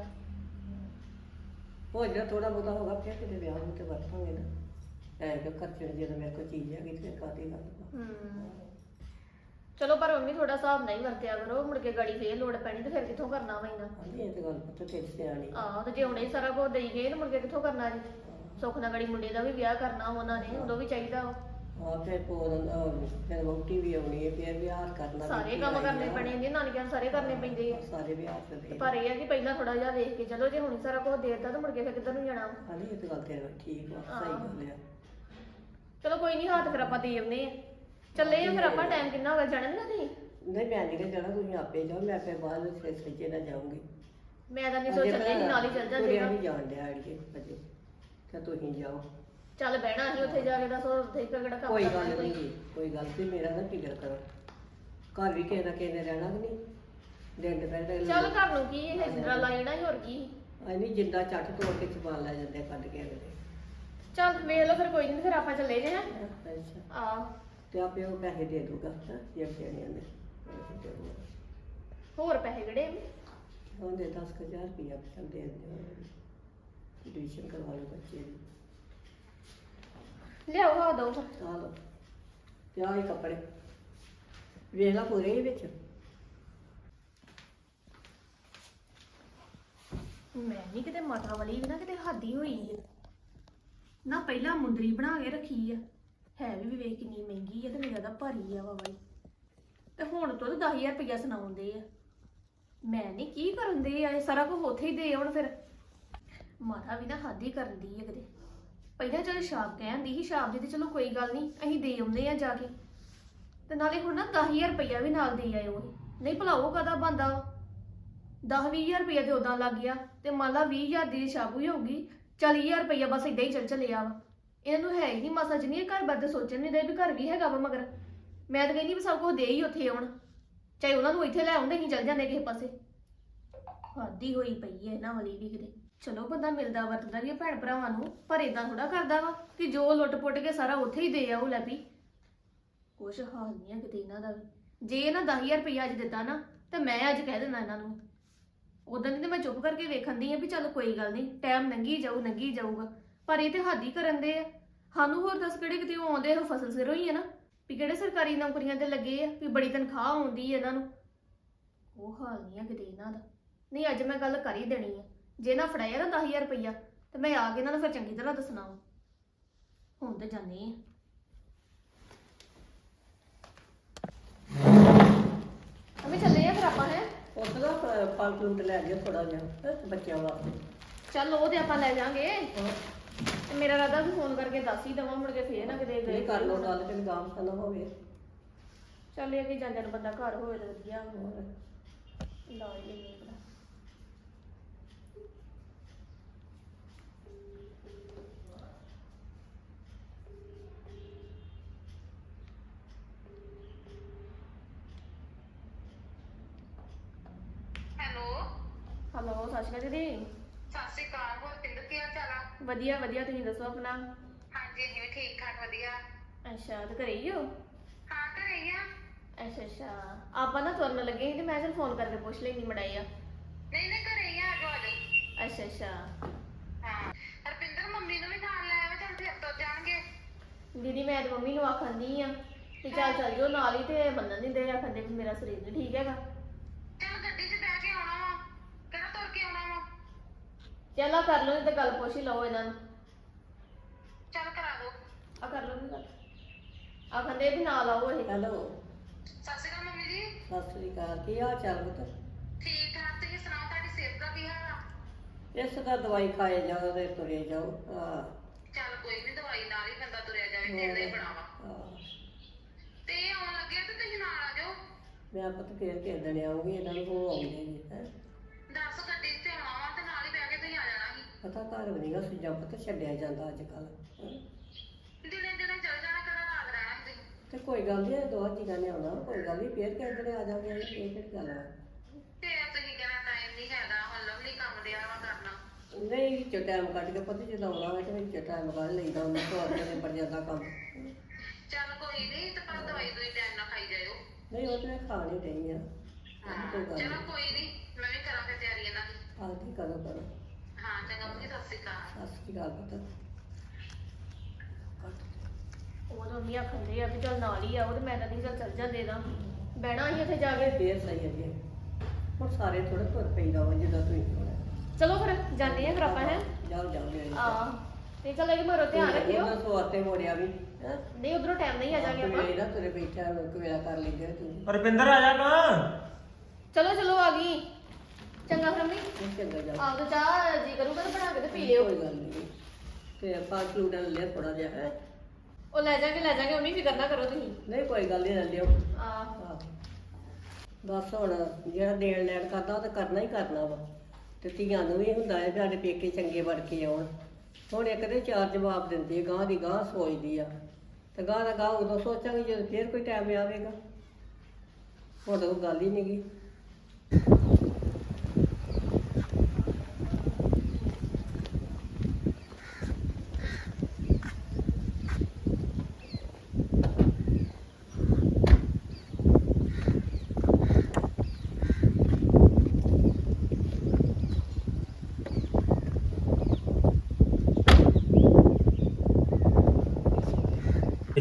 ਹੋ ਜਿਹੜਾ ਥੋੜਾ ਬਹੁਤਾ ਹੋਗਾ ਫਿਰ ਕਿਤੇ ਵਿਆਹ ਨੂੰ ਤੇ ਵਰਤਾਂਗੇ ਨਾ। ਐਂ ਕਿ ਖਰਚਣ ਜਦੋਂ ਮੇਰੇ ਕੋਲ ਚੀਜ਼ ਹੈਗੀ ਤੇ ਕਾਹਦੀ ਗੱਲ ਵਾ।
ਹੂੰ ਚਲੋ ਪਰ ਮੰਮੀ ਥੋੜਾ ਹਿਸਾਬ ਨਹੀਂ ਵਰਤਿਆ ਕਰੋ, ਮੁੜ ਕੇ ਗਾੜੀ ਫੇਰ ਲੋੜ ਪੈਣੀ ਤੇ ਫਿਰ ਕਿੱਥੋਂ ਕਰਨਾ ਵਾ ਇੰਨਾ।
ਹਾਂਜੀ ਇਹ ਤੇ ਗੱਲ ਪੁੱਤ ਤੇਰੀ ਸਿਆਣੀ।
ਆਹ ਤੇ ਜੇ ਹੁਣੇ ਹੀ ਸਾਰਾ ਕੁਝ ਦੇਈ ਗਏ ਤੇ ਮੁੜ ਕੇ ਕਿੱਥੋਂ ਕਰਨਾ ਜੀ। ਸੁੱਖ ਨਾਲ ਗਾੜੀ ਮੁੰਡੇ ਦਾ ਵੀ ਵਿਆਹ ਕਰਨਾ ਉਹਨਾਂ ਨੇ, ਉਦੋਂ ਵੀ ਚਾਹੀਦਾ ਵਾ।
ਆ ਫਿਰ ਪੋਰਨ ਫਿਰ ਵਹੁਟੀ ਵੀ ਆਉਣੀ ਹੈ, ਫਿਰ ਵਿਆਹ ਕਰਨਾ।
ਸਾਰੇ ਕੰਮ ਕਰਨੇ ਪੈਣੇ ਨੇ, ਨਾਨਕਿਆਂ ਨੂੰ ਸਾਰੇ ਕਰਨੇ ਪੈਂਦੇ ਆ।
ਸਾਰੇ ਵਿਆਹ ਤੇ
ਤੇ
ਦੇ।
ਪਰ ਇਹ ਆ ਕਿ ਪਹਿਲਾਂ ਥੋੜਾ ਜਿਹਾ ਵੇਖ ਕੇ ਚਲੋ, ਜੇ ਹੁਣ ਹੀ ਸਾਰਾ ਕੁਝ ਦੇਤਾ ਤਾਂ ਮੁੜ ਕੇ ਫਿਰ ਕਿੱਧਰ ਨੂੰ ਜਾਣਾ ਵਾ।
ਹਾਂਜੀ ਇਹ ਤੇ ਗੱਲ ਤੇਰੀ ਠੀਕ ਵਾ, ਸਹੀ ਗੱਲ ਆ।
ਚਲੋ ਕੋਈ ਨਹੀਂ, ਹੱਥ ਫਿਰ ਆਪਾਂ ਦੇ ਆਉਂਦੇ ਆ। ਚੱਲੇ ਆ ਫਿਰ ਆਪਾਂ। ਟਾਈਮ ਕਿੰਨਾ ਹੋ ਗਿਆ ਜਾਣਾ ਨਾ ਤੁਸੀਂ?
ਨਹੀਂ ਮੈਂ ਨਹੀਂ ਜਾਣਾ, ਤੁਸੀਂ ਆਪੇ ਜਾਓ, ਮੈਂ ਫਿਰ ਬਾਅਦ ਵਿੱਚ ਫਿਰ ਸੱਚੇ ਨਾਲ ਜਾਊਂਗੀ।
ਮੈਂ ਤਾਂ ਨਹੀਂ ਸੋ ਚੱਲੇ ਸੀ, ਨਾਲ ਹੀ ਚੱਲ ਜਾਂਦੇ
ਤੁਰਿਆ
ਨਾ।
ਨਹੀਂ ਜਾਣ ਡਿਆ ਅੜੀਏ ਅਜੇ, ਤਾਂ ਤੁਸੀਂ ਜਾਓ।
ਚੱਲ ਬਹਿਣਾ ਅਸੀਂ ਉੱਥੇ ਜਾ ਕੇ ਦੱਸੋ ਉੱਥੇ ਕਿਹੜਾ ਕੰਮ
ਕੋਈ
ਕਰਨਾ
ਗੱਲ
ਕੋਈ।
ਨਹੀਂ, ਕੋਈ ਗੱਲ ਤੇ ਮੇਰਾ ਨਾ ਫਿਕਰ ਕਰੋ। ਘਰ ਵੀ ਕਿਸੇ ਨਾ ਕਿਸੇ ਨੇ ਰਹਿਣਾ ਕਿ ਨਹੀਂ, ਦਿਨ ਦੁਪਹਿਰ
ਚੱਲ ਘਰ ਨੂੰ ਕੀ ਇਹ ਜਿੰਦਰਾ ਲਾ ਜਾਣਾ ਸੀ, ਹੋਰ ਕੀ।
ਐ ਨਹੀਂ ਜਿੰਦਾ ਚੱਟ ਤੋੜ ਕੇ ਚਬਾਲ ਲੈ ਜਾਂਦੇ ਕੱਢ ਕੇ ਅਗਲੇ।
ਚੱਲ ਵੇਖ ਲਓ ਫਿਰ ਕੋਈ ਨਹੀਂ ਫਿਰ ਆਪਾਂ ਚੱਲੇ ਜੇ ਹਾਂ
ਅੱਛਾ
ਆ
ਤੇ ਆਪੇ ਉਹ ਪੈਸੇ ਦੇ ਦੂਗਾ ਹਾਂ ਜੇ ਦੇਣੇ ਨੇ ਪੈਸੇ ਦੇ ਦੂਗਾ।
ਹੋਰ ਪੈਸੇ ਕਿਹੜੇ
ਉਹਦੇ ਦਸ ਕੁ ਹਜ਼ਾਰ ਰੁਪਇਆ ਚੱਲ ਦੇ ਦਿਓ ਐਡਮਿਸ਼ਨ ਕਰਵਾ ਲਓ ਬੱਚੇ ਦੀ
ਲਿਆਓ ਆ ਦੋ
ਆ ਲਓ ਤੇ ਆਹ ਹੀ ਕੱਪੜੇ ਵੇਖ ਲਾ ਪੂਰੇ ਹੀ ਵਿੱਚ
ਮੈਂ ਨਹੀਂ ਕਿਤੇ ਮਾਤਾ ਵਾਲੀ ਵੀ ਨਾ ਕਿਤੇ ਹਾਦੀ ਹੋਈ ਆ ਨਾ ਪਹਿਲਾਂ ਮੁੰਦਰੀ ਬਣਾ ਕੇ ਰੱਖੀ ਆ ਹੈ ਵੀ ਵੇਖ ਕਿੰਨੀ ਮਹਿੰਗੀ ਆ ਤੇ ਮੇਰਾ ਤਾਂ ਭਾਰੀ ਆ ਵਾ ਬਾਈ ਤੇ ਹੁਣ ਤੋਂ ਦਸ ਹਜ਼ਾਰ ਰੁਪਇਆ ਸੁਣਾਉਂਦੇ ਆ ਮੈਂ ਨਹੀਂ ਕੀ ਕਰਨ ਦੇ ਆ ਇਹ ਸਾਰਾ ਕੁਝ ਉੱਥੇ ਹੀ ਦੇ ਆਉਣ ਫਿਰ ਮਾਤਾ ਵੀ ਨਾ ਹਾਦੀ ਕਰਨ ਦੀ ਆ ਕਿਤੇ ਪਹਿਲਾਂ ਜਦੋਂ ਸ਼ਾਪ ਕਹਿੰਦੀ ਸੀ ਸ਼ਾਪ ਦੀ ਤੇ ਚਲੋ ਕੋਈ ਗੱਲ ਨਹੀਂ ਅਸੀਂ ਦੇ ਆਉਂਦੇ ਆ ਜਾ ਕੇ ਤੇ ਨਾਲੇ ਹੁਣ ਨਾ ਦਸ ਹਜ਼ਾਰ ਰੁਪਇਆ ਵੀ ਨਾਲ ਦੇ ਆਇਓ ਨਹੀਂ ਭਲਾ ਉਹ ਕਦਾ ਬੰਦਾ ਦਸ ਵੀਹ ਹਜ਼ਾਰ ਰੁਪਇਆ ਤੇ ਉਦਾਂ ਲੱਗ ਗਿਆ ਤੇ ਮੰਨ ਲਾ ਵੀਹ ਹਜ਼ਾਰ ਦੀ ਸ਼ਾਪ ਹੀ ਹੋਊਗੀ ਚਾਲੀ ਹਜ਼ਾਰ ਰੁਪਇਆ ਬਸ ਇਦਾਂ ਹੀ ਚੱਲ ਚੱਲਿਆ ਵਾ ਇਹਨੂੰ ਹੈ ਹੀ ਨਹੀਂ ਮਾਸਾ ਜਿੰਨੀ ਘਰ ਬਾਰੇ ਤੇ ਸੋਚਣ ਨਹੀਂ ਦੇ ਵੀ ਘਰ ਵੀ ਹੈਗਾ ਵਾ ਮਗਰ ਮੈਂ ਤਾਂ ਕਹਿੰਦੀ ਵੀ ਸਭ ਕੁਝ ਦੇ ਹੀ ਉੱਥੇ ਆਉਣ ਚਾਹੇ ਉਹਨਾਂ ਨੂੰ ਇੱਥੇ ਲੈ ਆਉਂਦੇ ਹੀ ਚੱਲ ਜਾਂਦੇ ਕਿਸੇ ਪਾਸੇ ਹਾਦੀ ਹੋਈ ਪਈ ਹੈ ਇਹਨਾਂ ਵਾਲੀ ਵੀ ਕਿਤੇ ਚਲੋ ਬੰਦਾ ਮਿਲਦਾ ਵਰਤਦਾ ਵੀ ਆ ਭੈਣ ਭਰਾਵਾਂ ਨੂੰ ਪਰ ਇਦਾਂ ਥੋੜਾ ਕਰਦਾ ਵਾ ਕਿ ਜੋ ਲੁੱਟ ਪੁੱਟ ਕੇ ਸਾਰਾ ਉੱਥੇ ਹੀ ਦੇ ਆਉ ਲੈ ਵੀ ਕੁਛ ਹਾਲ ਨਹੀਂ ਆ ਕਿਤੇ ਇਹਨਾਂ ਦਾ ਵੀ ਜੇ ਇਹਨਾਂ ਦਸ ਹਜ਼ਾਰ ਰੁਪਇਆ ਅੱਜ ਦਿੱਤਾ ਨਾ ਤੇ ਮੈਂ ਅੱਜ ਕਹਿ ਦਿੰਦਾ ਇਹਨਾਂ ਨੂੰ ਉਦੋਂ ਦੀ ਤੇ ਮੈਂ ਚੁੱਪ ਕਰਕੇ ਵੇਖਣ ਦੀ ਆ ਵੀ ਚੱਲ ਕੋਈ ਗੱਲ ਨਹੀਂ ਟਾਈਮ ਲੰਘੀ ਜਾਊ ਲੰਘੀ ਜਾਊਗਾ ਪਰ ਇਹ ਤੇ ਹਾਦੀ ਕਰਨ ਦੇ ਆ ਸਾਨੂੰ ਹੋਰ ਦੱਸ ਕਿਹੜੇ ਕਿਤੇ ਉਹ ਆਉਂਦੇ ਉਹ ਫਸਲ ਸਿਰੋਂ ਹੀ ਆ ਨਾ ਵੀ ਕਿਹੜੇ ਸਰਕਾਰੀ ਨੌਕਰੀਆਂ ਤੇ ਲੱਗੇ ਆ ਵੀ ਬੜੀ ਤਨਖਾਹ ਆਉਂਦੀ ਹੈ ਇਹਨਾਂ ਨੂੰ ਉਹ ਹਾਲ ਨਹੀਂ ਆ ਕਿਤੇ ਇਹਨਾਂ ਦਾ ਨਹੀਂ ਅੱਜ ਮੈਂ ਗੱਲ ਕਰ ਹੀ ਦੇਣੀ ਆ ਜੇ ਨਾ ਫੜਾਇਆ ਨਾ ਦਸ ਹਜ਼ਾਰ ਰੁਪਇਆ ਤੇ ਮੈਂ ਆ ਕੇ ਇਹਨਾਂ ਨੂੰ ਫਿਰ ਚੰਗੀ ਤਰ੍ਹਾਂ ਦੱਸਣਾ ਵਾ ਹੁਣ ਤੇ ਜਾਂਦੇ ਆ ਅਮੇ ਚੱਲੇ ਆ ਫਿਰ ਆਪਾਂ ਹੈ
ਉਸ ਦਾ ਫਲ ਫਲੂਟ ਲੈ ਗਿਆ ਥੋੜਾ ਜਿਹਾ ਹੈਂ, ਬੱਚਿਆਂ ਵਾਸਤੇ
ਚੱਲ ਉਹ ਤੇ ਆਪਾਂ ਲੈ ਜਾਾਂਗੇ ਤੇ ਮੇਰਾ ਰਾਦਾ ਵੀ ਫੋਨ ਕਰਕੇ ਦੱਸ ਹੀ ਦਵਾਂ ਮੁੜ ਕੇ ਫੇਰ ਨਾ ਕਿਤੇ ਗਏ
ਇਹ ਕਰ ਲਓ ਗੱਲ ਤੇ ਗਾਮ ਖਾਨਾ ਹੋਵੇ
ਚੱਲ ਇਹ ਕਿ ਜਾਂਦੇ ਨੂੰ ਬੰਦਾ ਘਰ ਹੋਵੇ ਤਾਂ ਵਧੀਆ
ਹੋਰ
ਲਾ ਹੀ ਲੈਂਦੇ ਆ ਭਲਾ।
ਹੈਲੋ
ਹੈਲੋ ਸਤਿ ਸ਼੍ਰੀ ਅਕਾਲ ਦੀਦੀ
ਸਤਿ ਸ਼੍ਰੀ ਅਕਾਲ ਹੋਰ ਪਿੰਡ ਕੀ ਹਾਲ ਚਾਲ ਆ
ਵਧੀਆ ਵਧੀਆ ਤੁਸੀਂ ਦੱਸੋ ਆਪਣਾ
ਹਾਂਜੀ ਅਸੀਂ ਵੀ ਠੀਕ ਠਾਕ ਵਧੀਆ
ਅੱਛਾ ਤੇ ਘਰੇ ਹੀ ਹੋ
ਹਾਂ ਘਰੇ ਹੀ ਆ
ਅੱਛਾ ਅੱਛਾ ਆਪਾਂ ਨਾ ਤੁਰਨ ਲੱਗੇ ਸੀ ਤੇ ਮੈਂ ਚਲ ਫੋਨ ਕਰਕੇ ਪੁੱਛ ਲੈਣੀ ਮੜਾਈ ਆ
ਨਹੀਂ ਨਹੀਂ ਘਰੇ ਹੀ ਆ ਆਜੋ ਆਜੋ
ਅੱਛਾ ਅੱਛਾ
ਹਾਂ ਹਰਪਿੰਦਰ ਮੰਮੀ ਨੂੰ ਵੀ ਨਾਲ ਲੈ ਆਵੇ ਚੱਲ ਫਿਰ ਤੁਰ ਜਾਣਗੇ
ਦੀਦੀ ਮੈਂ ਤੇ ਮੰਮੀ ਨੂੰ ਆਖੰਦੀ ਆ ਕਿ ਚੱਲ ਚੱਲ ਜਾਓ ਨਾਲ ਹੀ ਤੇ ਮੰਨਣ ਨਹੀਂ ਦੇ ਆਖੰਦੇ ਵੀ ਮੇਰਾ ਸਰੀਰ ਨਹੀਂ ਠੀਕ ਹੈਗਾ
ਚੱਲ ਗੱਡੀ 'ਚ ਬਹਿ ਕੇ ਆਉਣਾ ਵਾ ਕਿਹੜਾ ਤੁਰ ਕੇ ਆਉਣਾ ਵਾ
ਚੱਲ ਆ ਕਰ ਲਓ ਤੇ ਗੱਲ ਪੁੱਛ ਹੀ ਲਓ ਇਹਨਾਂ ਨੂੰ
ਚੱਲ ਕਰਾ ਦੋ
ਆ ਕਰ ਲਓ ਵੀ ਗੱਲ ਆਖੰਦੇ ਵੀ ਨਾਲ ਆਓ ਇਹ
ਹੈਲੋ
ਸਤਿ ਸ਼੍ਰੀ ਅਕਾਲ ਮੰਮੀ ਜੀ
ਸਤਿ ਸ੍ਰੀ ਅਕਾਲ ਕੀ ਹਾਲ ਚਾਲ ਪੁੱਤ
ਠੀਕ ਠਾਕ ਤੁਸੀਂ ਸੁਣਾਓ ਤੁਹਾਡੀ ਸਿਹਤ ਦਾ ਕੀ ਹਾਲ ਆ
ਇਸ ਦਾ ਦਵਾਈ ਖਾਏ ਜਾਓ ਤੇ ਤੁਰੇ ਜਾਓ ਹਾਂ
ਚੱਲ ਕੋਈ ਨਹੀਂ ਦਵਾਈ ਨਾਲ ਹੀ ਬੰਦਾ ਤੁਰਿਆ ਜਾਵੇ ਢਿੱਡ ਹੀ ਬਣਾਵਾ
ਹਾਂ।
ਤੇ ਇਹ ਆਉਣ ਲੱਗੇ ਤੇ ਤੁਸੀਂ ਨਾਲ ਆ ਜਾਓ
ਮੈਂ ਪੁੱਤ ਫੇਰ ਕਿਸੇ ਦਿਨ ਆਉਂਗੀ ਇਹਨਾਂ ਨੂੰ ਹੋ ਆਉਂਦੇ ਜੀ ਹੈ
ਦੱਸ ਗੱਡੀ 'ਤੇ ਆਉਣਾ ਵਾ ਤੇ ਨਾਲ ਹੀ ਬਹਿ ਕੇ ਤੁਸੀਂ ਆ ਜਾਣਾ ਸੀ
ਪਤਾ ਘਰ ਵੀ ਨਹੀਂਗਾ ਸੁਜਾ ਪੁੱਤ ਛੱਡਿਆ ਜਾਂਦਾ ਅੱਜ ਕੱਲ
ਦਿਨੇ ਦਿਨੇ ਚੱਲ ਜਾਣਾ ਕਰਾ ਰਾਤ ਰਹਿਣਾ ਸੀ
ਤੇ ਕੋਈ ਗੱਲ ਨਹੀਂ ਦੋ ਜੀਆਂ ਨੇ ਆਉਣਾ ਕੋਈ ਗੱਲ ਨਹੀਂ ਫੇਰ ਕਿਸੇ ਦਿਨ ਆ ਜਾਵਾਂਗੇ ਇਹ ਕਿਹੜੀ ਗੱਲ ਆ
ਤੇ ਤੁਸੀਂ ਕਹਿਣਾ ਟਾਈਮ ਨਹੀਂ ਹੈਗਾ ਹੁਣ ਲਵਲੀ ਕੰਮ ਦਿਆ ਵਾ ਕਰਨਾ
ਨਹੀਂ ਵਿੱਚੋਂ ਟਾਈਮ ਕੱਢ ਕੇ ਪਤਾ ਜਦੋਂ ਆਉਣਾ ਹੋਵੇ ਤੇ ਵਿੱਚੋਂ ਟਾਈਮ ਕੱਢ ਲਈਦਾ ਉਹਨਾਂ ਤੋਂ ਆਪਣੇ ਨਿਬੜ ਜਾਂਦਾ ਕੰਮ
ਚੱਲ ਕੋਈ ਨਹੀਂ ਤੇ ਪਰ ਦਵਾਈ ਦੋਈ ਟਾਈਮ ਨਾਲ ਖਾਈ ਜਾਇਓ
ਨਹੀਂ ਉਹ ਤੇ ਮੈਂ ਖਾ ਨਹੀਂ ਰਹੀ ਆ
ਹਾਂ
ਕੋਈ ਗੱਲ
ਚਲੋ
ਨਹੀਂ
ਕੋਈ ਨਹੀਂ ਮੈਂ ਵੀ ਕਰਾਂ ਫਿਰ ਤਿਆਰੀ ਇਹਨਾਂ ਦੀ
ਆਹ ਕੀ ਕਰੋ ਕਰੋ
ਹਾਂ ਚੰਗਾ ਮੰਮੀ ਸਤਿ ਸ਼੍ਰੀ ਅਕਾਲ
ਸਤਿ ਸ਼੍ਰੀ ਅਕਾਲ ਪੁੱਤ
ਉਹ ਤਾਂ ਨਹੀਂ ਆਖੰਦੇ ਆ ਵੀ ਚੱਲ ਨਾਲ ਹੀ ਆਓ ਤੇ ਮੈਂ ਤਾਂ ਨਹੀਂ ਚੱਲ ਚੱਲ ਜਾਂਦੇ ਦਾ ਬਹਿਣਾ ਹੀ ਉੱਥੇ ਜਾ ਕੇ
ਫੇਰ ਸਹੀ ਹੈ ਹੁਣ ਸਾਰੇ ਥੋੜੇ ਤੁਰ ਪਈਦਾ ਵਾ ਜਿੱਦਾਂ ਤੁਸੀਂ ਹੋਣਾ
ਚਲੋ ਫਿਰ ਜਾਂਦੇ ਆ ਫਿਰ ਆਪਾਂ ਹੈ
ਜਾਓ ਜਾਓ ਮੇਰੇ
ਆ ਤੇ ਚੱਲ ਇਹ ਮਰੋ ਧਿਆਨ ਰੱਖਿਓ
ਉਹਨਾਂ ਸਵਾਰ ਤੇ ਮੋੜਿਆ ਵੀ ਹੈਂ
ਨਹੀਂ ਉਧਰੋਂ ਟਾਈਮ ਨਹੀਂ ਆ ਜਾਗੇ ਆਪਾਂ
ਵੇਲੇ ਨਾ ਤੁਰੇ ਬੈਠਾ ਕਵੇਲਾ ਕਰ ਲੈਂਦੇ ਤੁਸੀਂ
ਰੁਪਿੰਦਰ ਆ ਜਾ ਨਾ
ਚਲੋ ਚਲੋ ਆ ਗਈ ਚੰਗਾ ਫਿਰ ਮੰਮੀ
ਇਹ ਚੰਗਾ ਜਾ
ਆਪ ਤਾਂ ਚਾਹ ਜੀ ਕਰੂਗਾ ਤਾਂ ਬਣਾ ਕੇ ਤੇ ਪੀ ਲਿਓ
ਕੋਈ ਗੱਲ ਨਹੀਂ ਤੇ ਪੰਜ ਕਿਲੋ ਲੈ ਲਿਆ ਥੋੜਾ ਜਿਹਾ ਹੈ
ਉਹ ਲੈ ਜਾਗੇ ਲੈ ਜਾਗੇ ਮੰਮੀ ਫਿਕਰ ਨਾ ਕਰੋ ਤੁਸੀਂ
ਨਹੀਂ ਕੋਈ ਗੱਲ ਨਹੀਂ ਲੈ ਲਿਓ
ਆ
ਆਹ। ਬਸ ਹੁਣ ਜਿਹੜਾ ਦੇਣ ਲੈਣ ਕਰਦਾ ਉਹ ਤਾਂ ਕਰਨਾ ਹੀ ਕਰਨਾ ਵਾ ਤੇ ਧੀਆਂ ਨੂੰ ਵੀ ਹੁੰਦਾ ਹੈ ਵੀ ਸਾਡੇ ਪੇਕੇ ਚੰਗੇ ਬਣ ਕੇ ਆਉਣ ਹੁਣ ਇੱਕ ਦੇ ਚਾਰ ਜਵਾਬ ਦਿੰਦੀ ਹੈ ਗਾਂ ਦੀ ਗਾਂ ਸੋਚਦੀ ਆ ਤੇ ਗਾਂ ਦਾ ਗਾਂ ਉਦੋਂ ਸੋਚਾਂਗੇ ਜਦੋਂ ਫੇਰ ਕੋਈ ਟਾਈਮ ਆਵੇਗਾ ਹੁਣ ਉਹ ਗੱਲ ਹੀ ਨਹੀਂ ਗੀ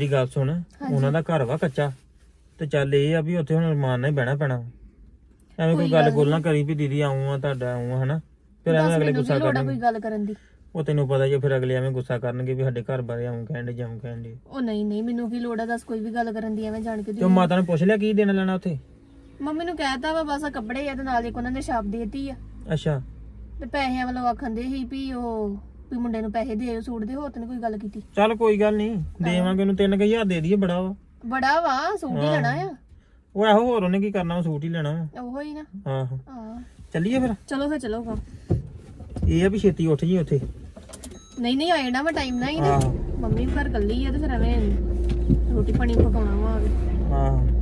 ਮੇਰੀ ਗੱਲ ਸੁਣ ਉਹਨਾਂ ਦਾ ਘਰ ਵਾ ਕੱਚਾ ਤੇ ਚੱਲ ਇਹ ਆ ਵੀ ਉੱਥੇ ਹੁਣ ਰਮਾਨ ਨਾਲ ਹੀ ਬਹਿਣਾ ਪੈਣਾ ਐਵੇਂ ਕੋਈ ਗੱਲ ਗੋਲ ਨਾ ਕਰੀ ਵੀ ਦੀਦੀ ਆਉਂ ਆ ਤੁਹਾਡਾ ਆਉਂ ਆ ਹਨਾ ਫਿਰ ਐਵੇਂ ਅਗਲੇ ਗੁੱਸਾ ਕਰਨਗੇ
ਕੋਈ ਗੱਲ ਕਰਨ ਦੀ
ਉਹ ਤੈਨੂੰ ਪਤਾ ਜੇ ਫਿਰ ਅਗਲੇ ਐਵੇਂ ਗੁੱਸਾ ਕਰਨਗੇ ਵੀ ਸਾਡੇ ਘਰ ਬਾਰੇ ਆਉਂ ਕਹਿੰਦੇ ਜਾਉਂ ਕਹਿੰਦੇ
ਉਹ ਨਹੀਂ ਨਹੀਂ ਮੈਨੂੰ ਕੀ ਲੋੜ ਆ ਦੱਸ ਕੋਈ ਵੀ ਗੱਲ ਕਰਨ ਦੀ ਐਵੇਂ ਜਾਣ ਕੇ
ਤੇ ਮਾਤਾ ਨੂੰ ਪੁੱਛ ਲਿਆ ਕੀ ਦੇਣਾ ਲੈਣਾ ਉੱਥੇ
ਮੰਮੀ ਨੂੰ ਕਹਿਤਾ ਵਾ ਬਸ ਆ ਕੱਪੜੇ ਆ ਤੇ ਨਾਲ ਇੱਕ ਉਹਨਾਂ ਨੇ ਛਾਪ ਦੇਤੀ ਆ
ਅੱਛਾ
ਤੇ ਪੈਸਿਆਂ ਵੱਲੋਂ ਆਖਣ ਦੇ ਸੀ ਵੀ ਉਹ ਵੀ ਮੁੰਡੇ ਨੂੰ ਪੈਸੇ ਦੇ ਸੂਟ ਦੇ ਹੋਰ ਤੇ ਨੀ ਕੋਈ ਗੱਲ ਕੀਤੀ
ਚੱਲ ਕੋਈ ਗੱਲ ਨਹੀਂ ਦੇਵਾਂਗੇ ਉਹਨੂੰ ਤਿੰਨ ਕੁ ਹਜ਼ਾਰ ਦੇ ਦਈਏ ਬੜਾ ਵਾ
ਬੜਾ ਵਾ ਸੂਟ ਹੀ ਲੈਣਾ ਆ
ਉਹ ਇਹੋ ਹੋਰ ਉਹਨੇ ਕੀ ਕਰਨਾ ਵਾ ਸੂਟ ਹੀ ਲੈਣਾ ਵਾ
ਉਹੋ ਹੀ ਨਾ
ਆਹੋ
ਹਾਂ
ਚੱਲੀਏ ਫਿਰ
ਚਲੋ ਫਿਰ ਚਲੋ ਗਾ
ਇਹ ਆ ਵੀ ਛੇਤੀ ਉੱਠ ਜੀ ਉੱਥੇ
ਨਹੀਂ ਨਹੀਂ ਆਏ ਨਾ ਮੈਂ ਟਾਈਮ ਨਾਲ ਹੀ ਨਾ
ਆਹੋ
ਮੰਮੀ ਘਰ ਕੱਲੀ ਆ ਤੇ ਫਿਰ ਐਵੇਂ ਰੋਟੀ ਪਾਣੀ ਪਕਾਉਣਾ ਵਾ
ਆਹੋ